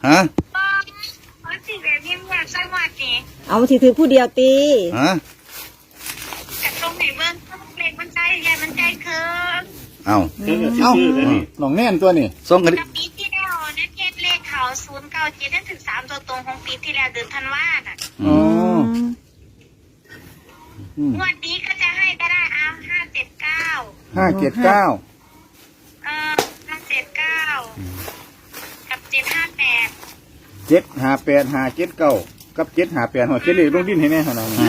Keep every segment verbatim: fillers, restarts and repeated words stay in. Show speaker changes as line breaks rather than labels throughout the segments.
ฮะ
เอาสิแบบนี้อยากใส่หวัดนี่
เอาสิถือผู้เดียวตี
ฮะ
แต่ตรงไหนเบิ้งเล็กมันใจใหญ่มันใจเคิง
เอา
เอ้าหนองแน่นตัวนี่
ส่งกัน
กับปีที่แล้วนะเจ็ดเลขเขาศูนย์เก้าเจ็ดนั่นถึงสามตัวตรงของปีที่แล้วเดือนธันวาอ่ะ
อ๋อ
งวดนี้ก็จะให้ก็ได้เอาห้าเจ็ดเก้า
ห้าเจ็ดเก้า
เออห้าเจ็ดเก้ากับเจ็ดห้าแปด
เจ็ดห้าแปดห้าเจ็ดเก้ากับเจ็ดห้าแปดหัวเจ็ดเลยลงดินให้แน่ขนาดนี้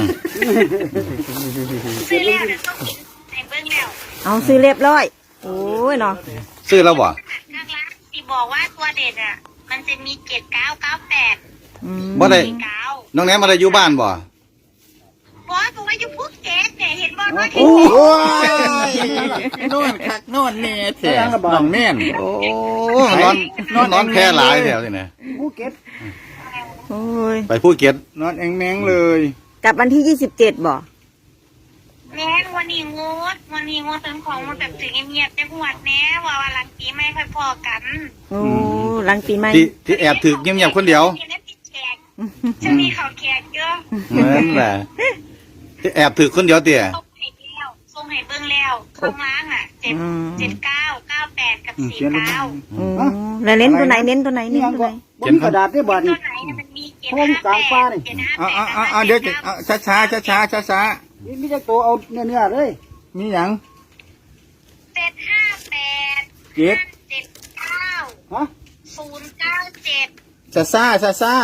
ซื้อแล้วเดี๋ยวต้องกินในเบิ้งแล้ว
เอาซื้อเรียบร้อยโอ้ยเนาะ
ซื้อแล้วบ่
ข้างล่างที่บอกว่าตัวเด็ดอ่ะมันจะมีเจ็ดเก้าเก้าแปด
บ่ได้น้องแหนมมาได้อยู่บ้านบ่
บอสผมว่าอยู่ภูเก็ตเนี่ยเห็นบอสว่า
โอ้ยโน่นคักโน่นเนี่ยแท้น้องแน่น
โอ้นอนนอนนอนแพ้หลายแถวนี่นะ
ภูเก็ต
โอ้ย
ไปภูเก็ต
นอนแองแมงเลย
กลับวันที่ยี่สิบเจ็ดบ่
แม่วันนี้งดวันนี้งดเป็นของมันแบบถึงเงียบๆจังหวัดแน่ว่าวันหลังปีไม่ค่อยพอกัน
โอ้หลังปีใหม่
ที่ที่แอบถึกเงียบๆคนเดียว
จะมีเขาแขกเยอะ
เหมือนแหละที่แอบถึกคนเดียวเตี่ย
ส่งให้แล้วส่งให้เบิ้งแล้วข้างล่างอ่ะเจ็ดเจ็ดเก้าเก้าแปดกับสี่เก้า
แล้วเน้นตัวไหนเน้นตัวไหนเน้นตัวไหน
เขียนกระดาษได้บ่ดิ
ตัวไหนมันมีเจ็ดห้าแปดเจ็ดห้าแปด
อ่าอ่าเดี๋ยวช้าช้าช้าช้าช้าช้านี่มีจะตัวเอาเนื้อเนื้อเลยมีหยัง
เจ็ดห้าแปด
เจ็ด
เจ็ดเก้า
ฮะ
ศูนย์เก้าเจ็ด
ช้าช้าช้าช้า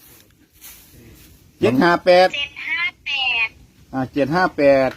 เจ็ดห้าแปด
เจ็ดห้าแปด
อ่าเจ็ดห้าแปด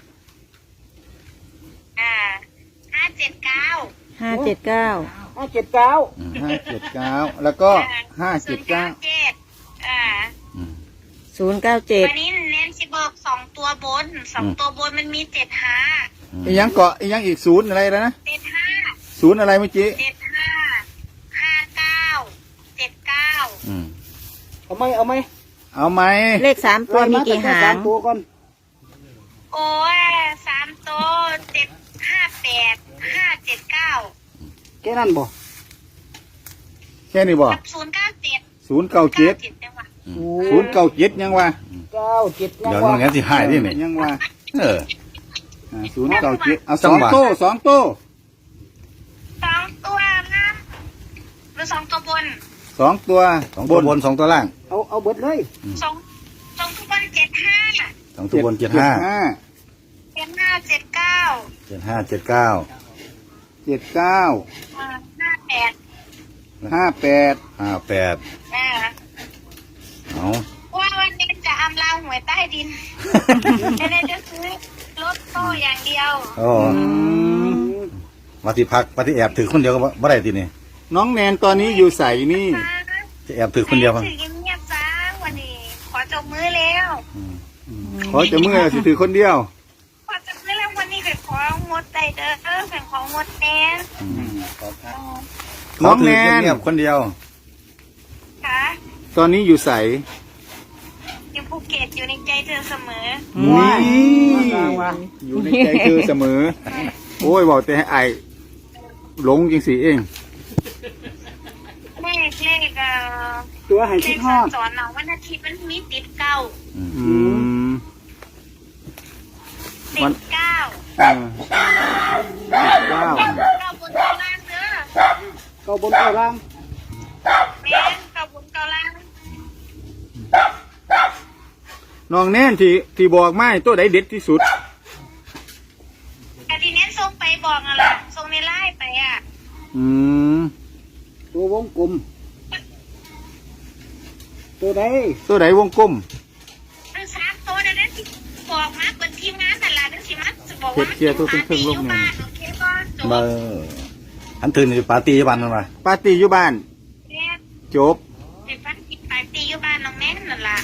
อ่าห้าเจ็ดเก้า
ห้าเจ็ดเก้า
ห้าเจ็ดเก้าห้าเจ็ดเก้าแล้วก็ห้าเจ็ดเก้า
อ่า
ศูนย์เก้าเจ็ด
วันนี้เน้นสิบอกสองตัวบนสองตัวบนมันมีเจ็ดห้า
อีกยังเกาะอีกยังอีกศูนย์อะไรแล้วนะ
เจ็ดห้า
ศูนย์อะไรเมื่อกี้
เจ็ดห้าห้าเก้าเจ็ดเก้า
เอาไหมเอาไหมเอาไหม
เลขสามตัวมีกี่หาง
สามตัวก่อน
โอ้ยสามตัวเจ็ดห้าแปดห้าเจ็ดเก้า
แค่นั้นบ่แค่นี้บ่
ศูนย์เก้าเจ็ด
ศูนย์เก้าเจ็ดศูนย์เก้าเจ็ดยังวะเก้าเจ็ด
เดี๋ยวน้องแง่ที่หายนี่เนี่ย
ยังวะ
เออ
ศูนย์เก้าเจ็ดเอาสองโต้สองโต้
สองตัวนะหรือสองตัวบน
สองตัว
สองตัวบนสองตัวล่าง
เอาเอาเบิดเลย
สองสองตัวบนเจ็ดห้า
สองตัวบนเจ็ดห้า
เจ็ดห้าเจ็ดเก้า
เจ็ดห้าเจ็ดเก้า
เจ็ดเก้า
ห้าแปด
ห้าแปด
ห้าแปดเอา
ว่าวันนี้จะอำลาหวยใต้ดินไม่ได้จะซื้อรถโต้อย่างเดียว
โอ้มาที่พักมาที่แอบถือคนเดียวก็บ่ได้ทีนี่
น้องแนนตอนนี้อยู่ใส่นี่
จะแอบถือคนเดียว
ถือเงียบๆจ้าวันนี้ขอจบมือแล้ว
ขอจบมือสิถือคนเดียว
ขอจบมือแล้ววันนี้เคยของดใจเด้อเคยของงดแนน
น้องแนนเงียบคนเดียว
ค่ะ
ตอนนี้อยู่ใส่
อยู่ภูเก็ตอยู่ในใจเธอเสมอ
นี่อยู่ในใจเธอเสมอโอ้ยบอกแต่ให้ไอหลงจริงสิเอง
เลขเลขเอ่อ
ตัวหายชิดฮอด
สอนน้องวันอาทิตย์มันมีติดเก้าติดเก้า
ติดเก้า
เก้าบนเก้าล่างเด้อ
เก้าบนเก้าล่าง
แม่เก้าบนเก้าล่าง
น้องแน่นที่ที่บอกไม่ตัวไหนเด็ดที่สุด
แต่ทีนี้ส่งไปบอกอะไรส่งในไลน์ไปอ่ะ
อืมตัววงกลมตัวไหนตัวไหนวงกลม
มันสามตัวเดี๋ยวนั้นบอกมาเป็นทีมงานแต่ละนั่นสิมันจะบอกว่ามันเป็นปาร์ตี้อยู่บ้านโอเคป่ะจบ
อันตื่นอยู่ปาร์ตี้อยู่บ้านนั่นวะ
ปาร์ตี้อยู่บ้านจบ
เป็นปาร์ตี้ปาร์ตี้อยู่บ้านน้องแม่นั่นแหละ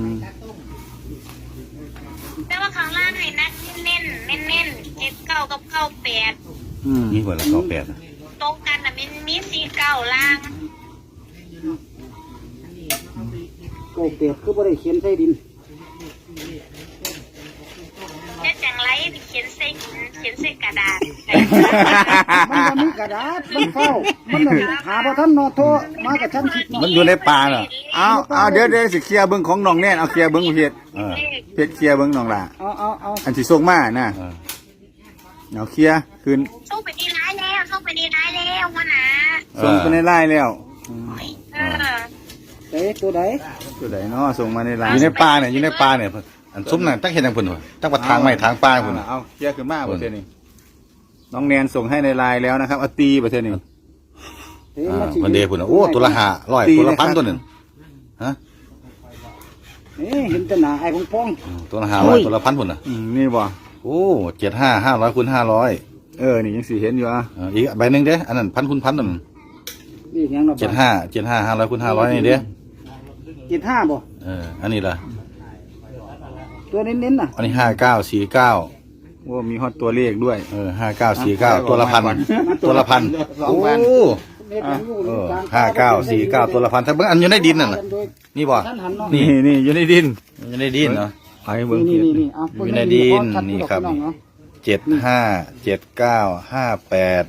แต่ว่าข้างล่างให้นักเน้นเน้นเน้นเจ็ดเก้ากับเก้าแปด
นี่หัวละเก้าแปด
ตรงกันนะมันมีสี่เก้าล่าง
เก้าแปดคือบ่ได้เขียนใส่ดิน
จะจังไรไปเขียนใส่ใขียนใส่กระดาษ
มันบ่มีกระดาษมันเฝ้ามันน่ะหาบ่ทันเนาะโทรมากับฉันคิด
มันอยู่ในป่าน่ะ
เอาเอาเดี๋ยวเดี๋ยวสิเคลียร์เบิ้งของน้องแน่นเอาเคลียร์เบิ้งเพชร
เออ
เพชรเคลียร์เบิ้งน้องล่ะ
เอาเอาเอา
อันสิส่งมาน่ะ
เออ
เอาเคลียร์คืน
ส่งไปดีร้ายแล้วส่งไปดีร้ายแล้ววะนะ
ส่งไปในไลน์แล้ว
เออ
เอ๊ะตัวใด
ตัวไหนเนาะส่งมาในไล
อ
น์
ยู่ในป่าเนี่ยอยู่ในป่าเนี่ยเพิ่นอันซุ้มนั่นตั้งเห็นทางเพิ่นว่ะตั้งว่าทางไม้ทางป่าเพิ่นน่ะ
เอาเคลียร์ขึ้นมา
เพิ่
ประ
น
เทศนี้น้องแนนส่งให้ในไลน์แล้วนะครับเอาตีประเทศนี้
เอ๊ะ
อ่า
มันสิ
มันเดพุ่นน่ะโอ้ตัวละห้าร้อย
ตี
ตัวละ
เลย
พัน
ครับ
ตัวหนึงฮะ
เอ๊ะเห็นแต่หน้าไอ้พอง
อืมตัวละห้าร้อยตัวละพันพุ่นน่ะ
อืมนี่บ่
โอ้เจ็ดห้าห้าร้อยคูณห้าร้อย
เออนี่ยังสิเห็นอยู่อ่ะ
อีกใบหนึ่งเด้อันนั้นพันคูณพันนั่น
ๆนี่ยังเนาะ
เจ็ดห้าเจ็ดห้าห้าร้อยคูณห้าร้อยนี่เด้
เจ็ดห้าบ่
เอออันนี้ล่ะ
ตัวเน้นๆน่ะ
อันนี้ห้าเก้าสี่เก้า
ว่ามีฮอตตัวเลขด้วย
เออห้าเก้าสี่เก้าตัวละพันตัวละพัน
สอง
โอ้
พัน
เม็ดมันอยู่
เออ
กลง
ห้าเก้าสี่เก้าตัวละพันถ้าเบิ่งอันอยู่ในดินนั่นน่ะนี่บ่
ท่านหันเนาะ
นี่นี่อยู่ในดิน
อยู่ในดินเนาะ
ไปเบิ้ง
นี่
เพชร
นี่นี่เอา
อยู่ในดินนี่ครับ
พี่องเนาะ
เจ็ดห้าเจ็ดเก้าห้าแปด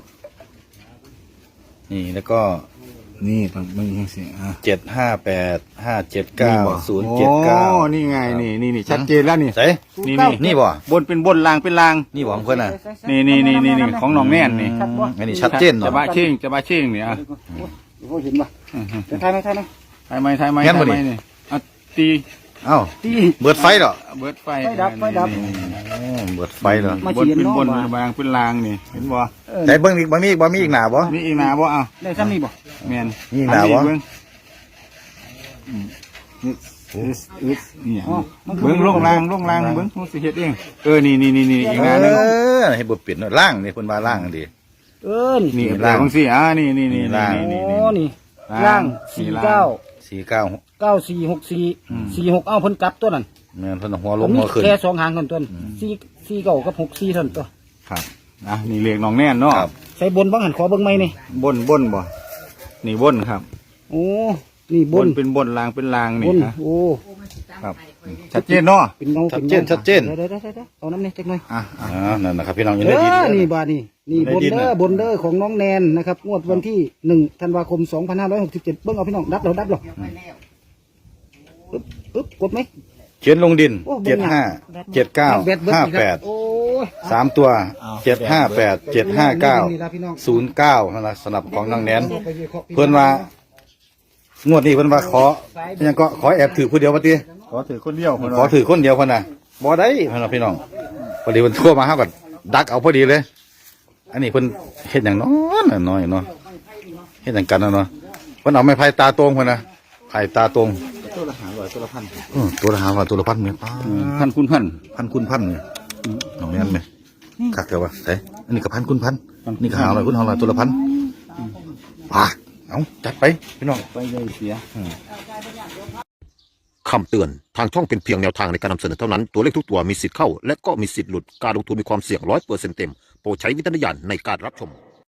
นี่แล้วก็
นี่ต้องเบิ้งยังสิอ่ะ
เจ็ดห้าแปดห้าเจ็ดเก้าศูนย์เจ็ดเก้า
โอ้นี่ไงนี่นี่นี่ชัดเจนแล้วนี่
ใส่
นี่นี่
นี่บ่
บนเป็นบนลางเป็นลาง
นี่บ่ของเพิ่นน่ะ
นี่นี่นี่นี่นี่ของน้องแน่นนี่
ชัดบ่
อันนี้ชัดเจน
จะ
เนาะ
บ้าเชิงจะบ้าเชิงเนี่ยอ่ะ
โอ้โหเห็นป่ะจะทายไหมทายไหม
ทายไหมทายไหม
แม่นบ่
ทายไหม
นี่
นี่อ่ะตี
เอ้า
ตี
เบิดไฟเหรอ
เบิดไฟ
ไฟดับไฟดับ
นี่นี่
โอ้เบิดไฟเหรอ
มา
บน
เขียน
เป็น
เนาะ
บน
ว่า
บางเป็นลางนี่เห็นบ่
เออ
ไหนเบิ่งอีกบ่มีอีกบ่มีอีกหน้าบ่
มีอีกหนาบ่อ่ะ
ได้ซ้ำนี่บ่
แม่น
มีอีกหน้าบ่
เบิ่งอืมนี่อึดอึดนี่
อ๋อมันคือ
เบิ้งลงลางลงลางเบิ้งมันสิเฮ็ดเองเออนี่นี่นี่นี่อีก
เอ
หนาหนึง
อให้บ่เปลี่ยนเนาะล่างนี่เพิ่นว่าล่างดี
เอิ้น
นี่
นี่
ล่า
ล่าง
งสิอ่านี่นี่นี่
ล่าง
นี่
โอ้
นี่
นี่ล่างสี่เก้า
สี่เก้า
เก้าสี่หกสี่สี่หกเอ้าเพิ่นกลับตัวนั้น
แม่นเพิ่นเอาหัวล
ผ
ง
มมี
หัวขึ้น
แค่สองหางเท่านั้นตัวสี่สี่เก้ากับหกสี่เท่านั้นตัว
ครับอ่ะนี่เรียกน้องแน่นเนาะ
ครับ
ใส่บนบ้างหันขอเบิ่งไหมนี่
บนบนบ่นี่บนครับ
โอ้นี่บบ น
นเป็นบนลางเป็นลาง
บ
นี่
น
ฮะ
โอ้
ครับชัดเจนเนาะ
เป็นเงา
ชัด
เป็น
เจ
เงาน
ชัดเจน
เดี๋ยวเดี๋ยวเดี๋ยวเดี๋ยวเอาน้ำนี่จักหน่อย
อ่ะอ่ะ
อ่านั่นนะครับพี่น้องอยู่
เอ
ในดิน
อ
เลย
นี่บาทนี่นี่
ใน
บน
ดิน
เด้อ
น่ะ
บนเด้อของน้องแนนนะครับงวดวันที่หนึ่งธันวาคมสองพันห้าร้อยหกสิบเจ็ดเบิ่งเอาพี่น้องดับเราดับเราปึ๊บปึ๊บกดไหม
เขียนลงดิน
โอ้
เจ็ดห้าเจ็ดเก้า
แบตเบิด
ห้า
อีก
แป
ล้ว
ด
โอ้ย
สามตัวเจ็ดห้าแปดเจ็ดห้าเก้า
นี่ล่ะพี่น้อง
ศูนย์เก้านั่นละสำหรับของนางแนนเพิ่นว่างวดนี้เพิ่นว่าขอยังก็ขอแอบถือผู้เดียวว่าติ
ขอถือคนเดียวคน
ขอถือคนเดียวคนน่ะบ่ได้เพิ่นว่าพี่น้องพอดีเพิ่นโทั่วมาเฮาก็ดักเอาพอดีเลย อันนี้เพิ่นเฮ็ดหยังน้อยน่ะน้อยเนาะเฮ็ดหยังกันน่ะเนาะเพิ่นเอาไม้ไผ่ตาตรงเพิ่นน่ะไผ่ตาตรง
ตัวละหาร้อยตัวละพัน
เออตัวละห้าร้อยตัวละพันเนี่ยป้า
พันคุณพัน
พันคุณพันเนี่ยน้องแนนไหมคักเดียววะไสอันนี้ก็พันคุณพันนี่ก็ห้าร้อยคุณห้าร้อยตัวละพันป่าเอาจัดไปพี่น้อง
ไปเลยเสีย
คำเตือน ทางช่องเป็นเพียงแนวทางในการนำเสนอเท่านั้น ตัวเลขทุกตัวมีสิทธิ์เข้า และก็มีสิทธิ์หลุด การลงทุนมีความเสี่ยงร้อยเปอร์เซ็นต์เต็ม โปรดใช้วิจารณญาณในการรับชม